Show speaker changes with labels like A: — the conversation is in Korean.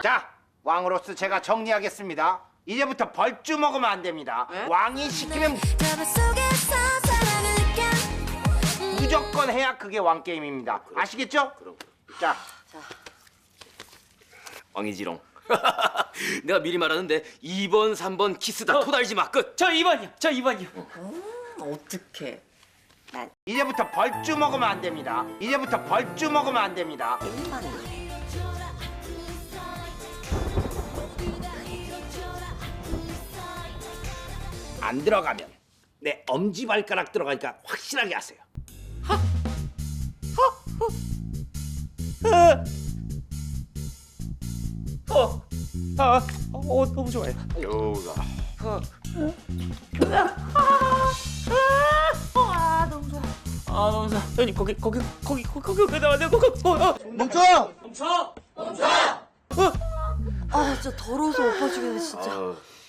A: 자, 왕으로서 제가 정리하겠습니다. 이제부터 벌주 먹으면 안 됩니다. 왕이 시키면 무조건 해야 그게 왕 게임입니다. 아시겠죠? 자,
B: 왕이지롱. 내가 미리 말하는데 2번, 3번 키스다. 토달지 마. 끝.
C: 저 2번이요. 저 2번이요.
D: 어떡해.
A: 이제부터 벌주 먹으면 안 됩니다. 이제부터 벌주 먹으면 안 됩니다. 안 들어가면 내 엄지발가락 들어가니까 확실하게 하세요.
C: 너무 좋아요.
A: 요가.
C: 너무 좋아. 형님 거기 나와.
D: 아 진짜 더러워서 오빠 죽이네 진짜.